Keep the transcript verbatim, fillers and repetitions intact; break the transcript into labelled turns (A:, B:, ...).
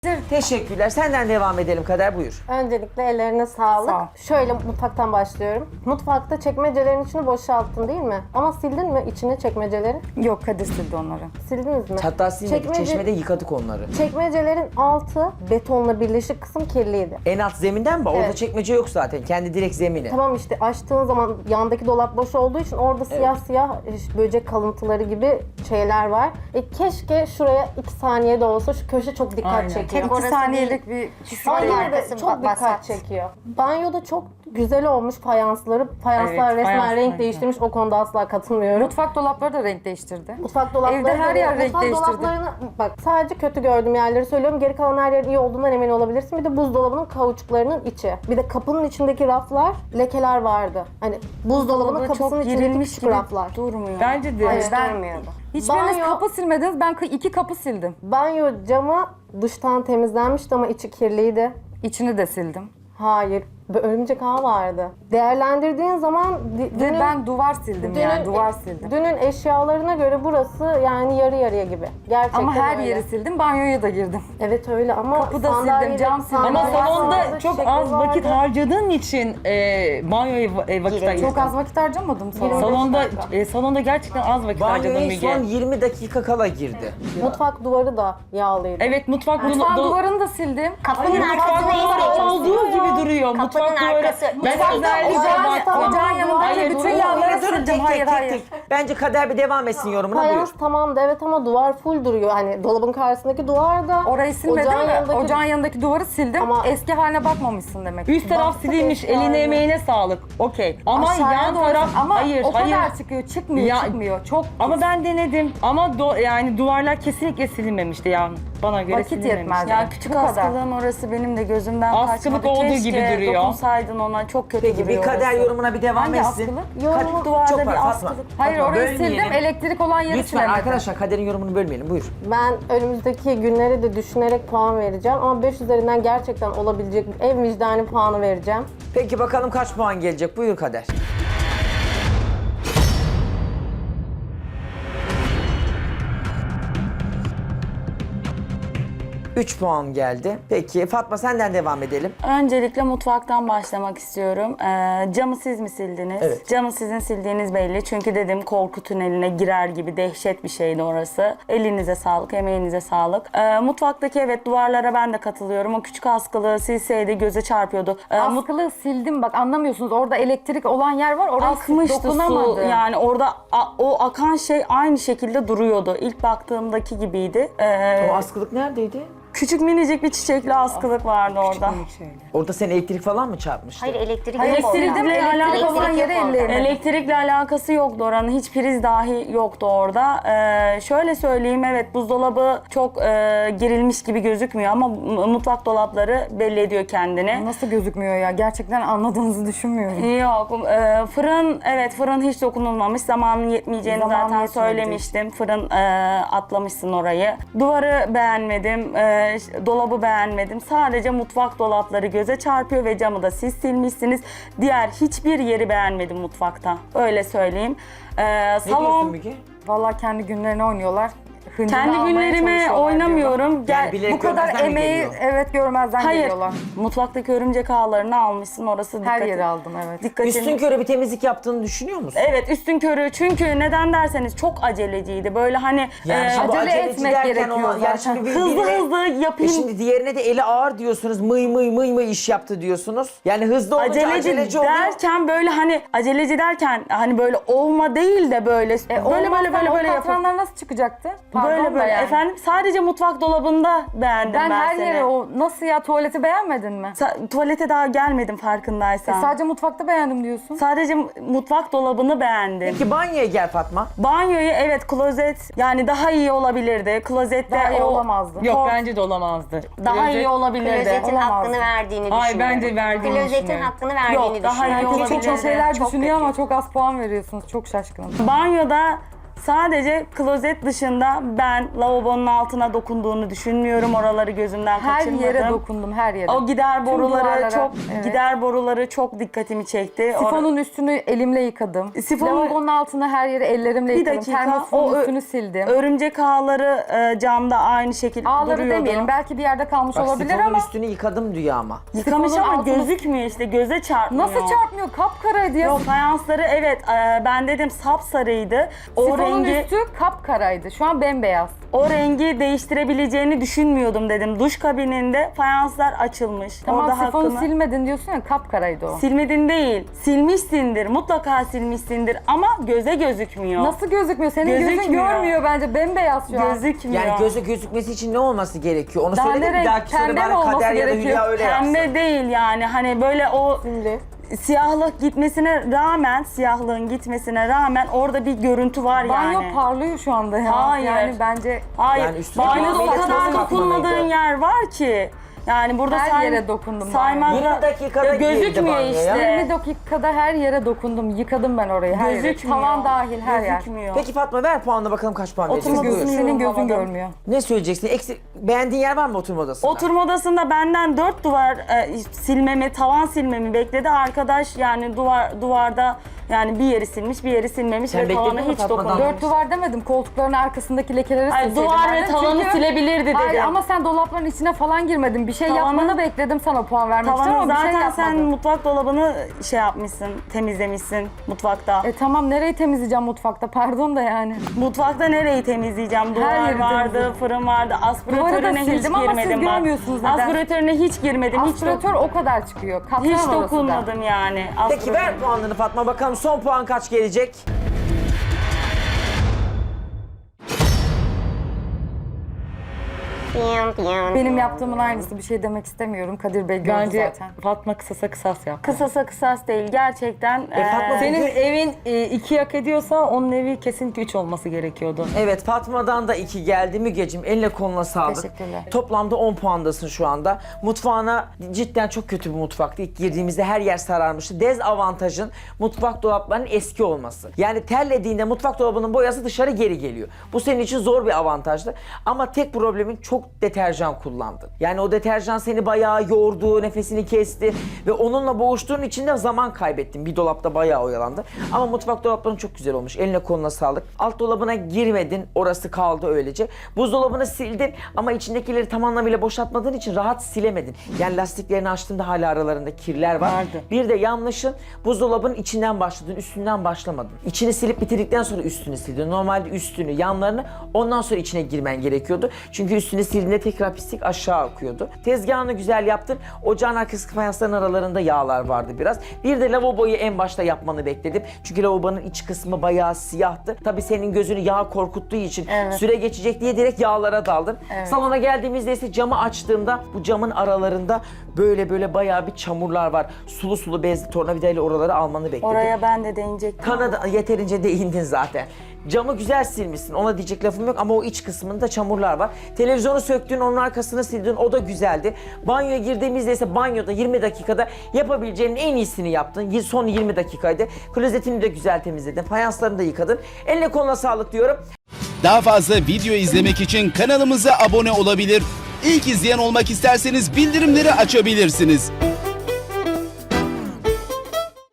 A: Teşekkürler. Senden devam edelim Kader, buyur.
B: Öncelikle ellerine sağlık.
C: Sağ ol.
B: Şöyle mutfaktan başlıyorum. Mutfakta çekmecelerin içini boşalttın değil mi? Ama sildin mi içini çekmecelerin?
C: Yok, Kadir sildi onları.
B: Sildiniz mi?
A: Hatta silmedik,
B: Çekmece-
A: çeşmede yıkadık onları.
B: Çekmecelerin altı betonla birleşik kısım kirliydi.
A: En alt zeminden mi? Orada
B: Evet.
A: çekmece yok zaten. Kendi direkt zemini.
B: Tamam işte açtığın zaman yandaki dolap boş olduğu için orada siyah siyah işte böcek kalıntıları gibi şeyler var. E keşke şuraya iki saniye de olsa, şu köşe çok dikkat
D: Aynen.
B: çekiyor.
C: İki
D: Orası
C: saniyelik bir
B: Ama
D: Ay,
B: yine de
D: arkası
B: çok
D: ba-
B: dikkat
D: basat.
B: çekiyor. Banyoda çok güzel olmuş fayansları. Fayanslar
C: Evet,
B: resmen
C: fayans
B: renk
C: renk.
B: değiştirmiş. O konuda asla katılmıyorum.
C: Mutfak dolapları da renk değiştirdi.
B: Mutfak dolapları
C: Evde her
B: da-
C: yer renk
B: mutfak
C: değiştirdi.
B: dolaplarını bak sadece kötü gördüğüm yerleri söylüyorum. Geri kalan her yerin iyi olduğundan emin olabilirsin. Bir de buzdolabının kauçuklarının içi. Bir de kapının içindeki raflar lekeler vardı. Hani buzdolabının
C: Dolabı
B: kapısının
C: çok
B: içindeki
C: girilmiş
B: küçük
C: gibi
B: raflar.
C: durmuyor.
D: Bence de.
B: Hayır, ben-
D: durmuyordu.
C: Hiçbiriniz
B: Banyo-
C: kapı silmediniz. Ben kı- iki kapı sildim.
B: Banyo camı dıştan temizlenmişti ama içi kirliydi.
C: İçini de sildim.
B: Hayır. Bir örümcek ağı vardı. Değerlendirdiğin zaman di-
C: Ve
B: dünün-
C: ben duvar sildim yani. Duvar sildim.
B: Dünün eşyalarına göre burası yani yarı yarıya gibi. Gerçekten
C: Ama her
B: öyle.
C: yeri sildim. Banyoya da girdim.
B: Evet öyle ama
C: Kapıda
B: sandalyede-
C: sildim, cam sildim.
D: Ama
B: sandalyede
D: salonda
B: vardı,
D: çok
B: çiçekler
D: az vakit
B: vardı.
D: harcadığın için e, banyoya e, vakit ayırdın.
C: Çok az vakit harcamadım salonda.
B: Yirmi-
D: Salonda
B: dakika.
D: e, salonda gerçekten az vakit harcadın
A: Banyoya
D: Müge.
A: son yirmi dakika kala girdi.
B: Mutfak duvarı da yağlıydı.
D: Evet, mutfak
C: Mutfağın
D: do-
C: duvarını da sildim.
D: Mutfak
E: Kapının arkasına
D: duvarı
E: istedim.
D: olduğu gibi duruyor.
E: Kapının
D: Mutfak duvarı.
E: arkası.
D: Ben
E: Mutfakta
D: özellikle
B: ocağın-
D: baktım.
C: Ocağın yanındaki
D: Hayır,
C: bütün
D: durun,
C: yağları
A: Durun,
C: sildim.
A: tek
C: Hayır
A: tek tek
C: hayır.
A: tek. Bence Kader bir devam etsin yorumuna,
B: Fayans
A: buyur.
B: tamam da evet ama duvar full duruyor. Hani dolabın karşısındaki duvar da.
C: Orayı silmedim
B: ocağın
C: mi?
B: yanındaki-
C: Ocağın yanındaki duvarı sildim.
B: Ama-
C: Eski haline bakmamışsın demek.
D: Üst taraf
B: Baktık
D: silinmiş,
B: eşyalarına.
D: eline emeğine sağlık. Okey. Ama
C: Aşağıya
D: yan
C: doğru-
D: taraf
C: ama
D: hayır,
C: o
D: hayır.
C: kadar çıkıyor. Çıkmıyor,
D: Ya-
C: çıkmıyor. Çok
D: Ama ben denedim. Ama do- yani duvarlar kesinlikle silinmemişti yani. Bana göre
C: Vakit
D: silinmemişti.
C: yetmez.
F: Ya küçük
C: Bu kadar.
F: askılığın orası benim de gözümden
D: Askılık
F: kaçmadı.
D: olduğu
F: Keşke
D: gibi duruyor.
F: dokunsaydın ona, çok kötü
A: Peki bir
F: duruyor
A: Kader
F: orası.
A: yorumuna bir devam
C: Hangi
A: etsin.
C: askılık?
B: Yorumu-
A: Kader-
F: duvarda
A: çok
F: bir
A: var, Fatma.
F: askılık.
C: Hayır
A: Fatma,
C: orayı
A: bölmeyelim.
C: sildim. Elektrik olan yeri
A: Lütfen
C: silemedim.
A: arkadaşlar Kader'in yorumunu bölmeyelim, buyur.
B: Ben önümüzdeki günleri de düşünerek puan vereceğim. Ama beş üzerinden gerçekten olabilecek en vicdani puanı vereceğim.
A: Peki bakalım kaç puan gelecek, buyur Kader. üç puan geldi. Peki Fatma senden devam edelim.
F: Öncelikle mutfaktan başlamak istiyorum. Ee, camı siz mi sildiniz?
A: Evet.
F: Camı sizin sildiğiniz belli. Çünkü dedim korku tüneline girer gibi dehşet bir şeydi orası. Elinize sağlık, emeğinize sağlık. Ee, mutfaktaki evet duvarlara ben de katılıyorum. O küçük askılığı silseydi göze çarpıyordu. Ee, mut-
C: Askılığı sildim bak anlamıyorsunuz. Orada elektrik olan yer var. Oraya
F: Akmıştı
C: dokunamadım.
F: su, yani orada a- o akan şey aynı şekilde duruyordu. İlk baktığımdaki gibiydi. Ee,
A: O askılık neredeydi?
F: küçük minicik bir çiçekli askılık vardı orada.
A: Orada sen elektrik falan mı çarpmıştı?
E: Hayır elektrik
C: Hayır,
E: yok orada.
C: sildim de elektrik
F: alakası
C: olan
E: yok
C: yere
E: orada.
C: ellerim.
F: Elektrikle alakası yoktu oranın. Hiç priz dahi yoktu orada. Ee, şöyle söyleyeyim, evet buzdolabı çok e, gerilmiş gibi gözükmüyor ama m- mutfak dolapları belli ediyor kendini.
C: Nasıl gözükmüyor ya? Gerçekten anladığınızı düşünmüyorum.
F: Yok, e, fırın, evet fırın hiç dokunulmamış. Zamanın yetmeyeceğini
C: Zamanı
F: zaten
C: yetmedi.
F: söylemiştim. Fırın e, atlamışsın orayı. Duvarı beğenmedim, e, ş- dolabı beğenmedim. Sadece mutfak dolapları göze çarpıyor ve camı da siz silmişsiniz. Diğer hiçbir yeri beğenmedim mutfakta. Öyle söyleyeyim. E,
A: Ne diyorsun
F: salon...
A: Müge?
C: Vallahi kendi günlerini oynuyorlar. Hıncını
F: Kendi
C: almaya
F: günlerime
C: çalışıyorlar
F: oynamıyorum. Gel,
A: Yani bilerek
C: Bu kadar
A: görmezden mi
C: emeği
A: geliyor?
C: evet görmezden
F: hayır.
C: geliyorlar.
F: Mutfaktaki örümcek ağlarını almışsın. Orası
C: Her
F: dikkati-
C: yeri aldım evet.
F: dikkatini-
A: Üstün körü bir temizlik yaptığını düşünüyor musun?
F: Evet, üstün körü. Çünkü neden derseniz çok aceleciydi. Böyle hani
A: Yani
F: e,
A: şimdi bu
C: acele
A: aceleci
C: etmek
A: derken
C: gerekiyor
A: o- yani
C: zaten.
A: şimdi bir-
F: hızlı
A: birine-
F: hızlı
A: E
F: yapayım.
A: şimdi diğerine de eli ağır diyorsunuz. Mıy mıy mıy mıy iş yaptı diyorsunuz. Yani hızlı olunca
F: Aceleci,
A: aceleci oluyor.
F: derken böyle hani aceleci derken hani böyle olma değil de böyle
C: E,
F: böyle böyle böyle böyle yapıp
C: katranlar nasıl çıkacaktı? Pardon
F: böyle
C: da
F: böyle
C: yani.
F: efendim sadece mutfak dolabında beğendim ben,
C: Ben her
F: seni.
C: yeri o nasıl ya tuvaleti beğenmedin mi?
F: Sa- tuvalete daha gelmedim farkındaysan.
C: E, sadece mutfakta beğendim diyorsun.
F: Sadece mutfak dolabını beğendim.
A: Peki banyoya gel Fatma.
F: Banyoyu evet klozet yani daha iyi olabilirdi. Klozette
C: Daha iyi
F: o
C: olamazdı.
D: Yok
F: Kor-
D: bence de olamazdı.
F: daha
D: Klozet-
F: iyi olabilirdi.
E: Klozetin
C: Olamazdı.
E: hakkını verdiğini düşünüyorum.
D: Hayır, bence verdiğini
E: Klozetin
D: düşünüyorum.
E: hakkını verdiğini
F: Yok, daha iyi
E: düşünüyorum.
C: Herkes çok
F: olabilirdi.
C: çok şeyler
E: Çok
C: düşünüyor
E: kötü.
C: ama çok az puan veriyorsunuz. Çok şaşkınım.
F: Banyoda Sadece klozet dışında ben lavabonun altına dokunduğunu düşünmüyorum. Oraları gözümden
C: Her
F: kaçırmadım.
C: yere dokundum, her yere.
F: O gider
C: Tüm
F: boruları
C: duvarlara,
F: çok
C: evet.
F: gider boruları çok dikkatimi çekti.
C: Sifonun üstünü elimle yıkadım.
F: Sifonu-
C: Lavabonun altına her yeri ellerimle
F: Bir
C: yıkadım.
F: dakika,
C: Termosifonun
F: o ö-
C: üstünü sildim.
F: Örümcek ağları e, camda aynı şekilde
C: Ağları
F: duruyordu.
C: demeyelim. Belki bir yerde kalmış
A: Bak
C: olabilir
A: sifonun
C: ama
A: üstünü yıkadım diyor ama.
F: Yıkamış
C: sifonun
F: ama
C: altını-
F: gözükmüyor işte, göze çarpmıyor.
C: nasıl çarpmıyor? Kapkaraydı ya.
F: Yok, fayansları evet, e, ben dedim sapsarıydı. O
C: Sifonun
F: rengi
C: üstü kapkaraydı. Şu an bembeyaz.
F: o rengi değiştirebileceğini düşünmüyordum dedim. Duş kabininde fayanslar açılmış.
C: Tamam,
F: Orada
C: sifonu
F: hakkını
C: silmedin diyorsun ya, kapkaraydı o.
F: silmedin değil. Silmişsindir. Mutlaka silmişsindir ama göze gözükmüyor.
C: Nasıl gözükmüyor? Senin gözün
F: Gözükmüyor.
C: görmüyor bence. Bembeyaz şu an.
F: Gözükmüyor.
A: Yani gözü gözükmesi için ne olması gerekiyor? Onu
C: Daha
A: söyle de
C: ne
A: bir
C: renk?
A: dahaki soru
C: Pembe mi
A: bari
C: olması
A: Kader ya da
C: gerekiyor?
A: Hülya öyle yapsın.
F: Pembe değil yani, hani böyle o
B: Şimdi
F: siyahlık gitmesine rağmen, siyahlığın gitmesine rağmen orada bir görüntü var
C: Banyo
F: yani.
C: parlıyor şu anda ya.
F: Hayır.
C: Yani bence
F: Hayır.
A: Yani üstüne
F: Banyoda o
A: kahveyle
F: kadar
A: toz
F: dokunmadığın
A: katmalıydı.
F: yer var ki. Yani burada
C: Her
F: say-
C: yere dokundum
F: saymazla-
A: yirmi dakikada
F: Ya
A: girdi
F: gözükmüyor
A: banyoya.
F: işte.
C: yirmi dakikada her yere dokundum. Yıkadım ben orayı, her yere.
F: Gözükmüyor.
C: Tavan dahil her yer.
F: Gözükmüyor.
A: Peki Fatma ver puanla bakalım kaç puan
F: Oturma
A: vereceksin?
F: odasını
A: Buyur.
C: Senin gözün
F: yorumlamadım.
C: görmüyor.
A: Ne söyleyeceksin? Eksik, beğendiğin yer var mı oturma odasında?
F: Oturma odasında benden dört duvar e, silmemi, tavan silmemi bekledi. Arkadaş yani duvar duvarda yani bir yeri silmiş, bir yeri silmemiş
A: Sen
F: ve
A: bekledin
F: tavana
A: mi
F: hiç
A: Fatma'dan?
F: dokunmamış.
C: Dört duvar demedim. Koltukların arkasındaki lekeleri
F: Ay,
C: silseydim.
F: duvar ve
C: derdim.
F: tavanı
C: Çünkü-
F: silebilirdi dedim.
C: Hayır ama sen dolapların içine falan girmedin. Bir şey
F: Tavanı-
C: yapmanı bekledim, sana puan vermek için
F: Tavanı
C: ama bir şey
F: zaten
C: yapmadın.
F: sen mutfak dolabını şey yapmışsın, temizlemişsin mutfakta.
C: E tamam, nereyi temizleyeceğim mutfakta? Pardon da yani.
F: Mutfakta nereyi temizleyeceğim? Duvar
C: yeri
F: vardı,
C: temizledim.
F: fırın vardı.
C: Duvarı da
F: Aspiratörüne hiç
C: sildim ama siz
F: girmedim bak.
C: görmüyorsunuz neden?
F: Aspiratörüne hiç girmedim. Hiç,
C: Aspiratör o kadar çıkıyor. Katran
F: hiç
C: orası da.
F: dokunmadım yani.
A: Peki
F: aspiratör.
A: ver puanlarını Fatma bakalım son puan kaç gelecek?
C: Benim yaptığımın aynısı, bir şey demek istemiyorum. Kadir Bey gördü
D: Bence
C: zaten.
D: Fatma kısasa kısas yap.
F: Kısasa kısas değil gerçekten.
A: E, Fatma
F: eee,
D: Senin evin e, iki hak ediyorsa onun evi kesinlikle üç olması gerekiyordu.
A: Evet Fatma'dan da iki geldi. Mügeciğim eline koluna sağlık.
C: Teşekkürler.
A: Toplamda on puandasın şu anda. Mutfağına cidden çok kötü bir mutfaktı. İlk girdiğimizde her yer sararmıştı. Dezavantajın mutfak dolaplarının eski olması. Yani terlediğinde mutfak dolabının boyası dışarı geri geliyor. Bu senin için zor bir avantajdı. Ama tek problemin çok deterjan kullandın. Yani o deterjan seni bayağı yordu, nefesini kesti ve onunla boğuştuğun için de zaman kaybettin. Bir dolapta bayağı oyalandı. Ama mutfak dolapların çok güzel olmuş. Eline koluna sağlık. Alt dolabına girmedin. Orası kaldı öylece. Buzdolabını sildin ama içindekileri tam anlamıyla boşaltmadığın için rahat silemedin. Yani lastiklerini açtığında hala aralarında kirler var.
D: Vardı.
A: Bir de yanlışın buzdolabının içinden başladın, üstünden başlamadın. İçini silip bitirdikten sonra üstünü sildin. Normalde üstünü, yanlarını ondan sonra içine girmen gerekiyordu. Çünkü üstünü sildiğinde tekrar pislik aşağı akıyordu. Tezgahını güzel yaptın. Ocağın arkası fayansların aralarında yağlar vardı biraz. Bir de lavaboyu en başta yapmanı bekledim. Çünkü lavabonun iç kısmı bayağı siyahtı. Tabii senin gözünü yağ korkuttuğu için
C: Evet.
A: süre geçecek diye direkt yağlara daldın.
C: Evet.
A: Salona geldiğimizde ise camı açtığımda bu camın aralarında böyle böyle bayağı bir çamurlar var. Sulu sulu bezli tornavidayla oraları almanı bekledim.
F: oraya ben de değinecektim.
A: Kanada yeterince değindin zaten. Camı güzel silmişsin, ona diyecek lafım yok ama o iç kısmında çamurlar var. Televizyonu söktün, onun arkasını sildin, o da güzeldi. Banyoya girdiğimizde ise banyoda yirmi dakikada yapabileceğinin en iyisini yaptın. Son yirmi dakikaydı. Klozetini de güzel temizledin, fayanslarını da yıkadın. Eline koluna sağlık diyorum.
E: Daha fazla video izlemek için kanalımıza abone olabilir. İlk izleyen olmak isterseniz bildirimleri açabilirsiniz.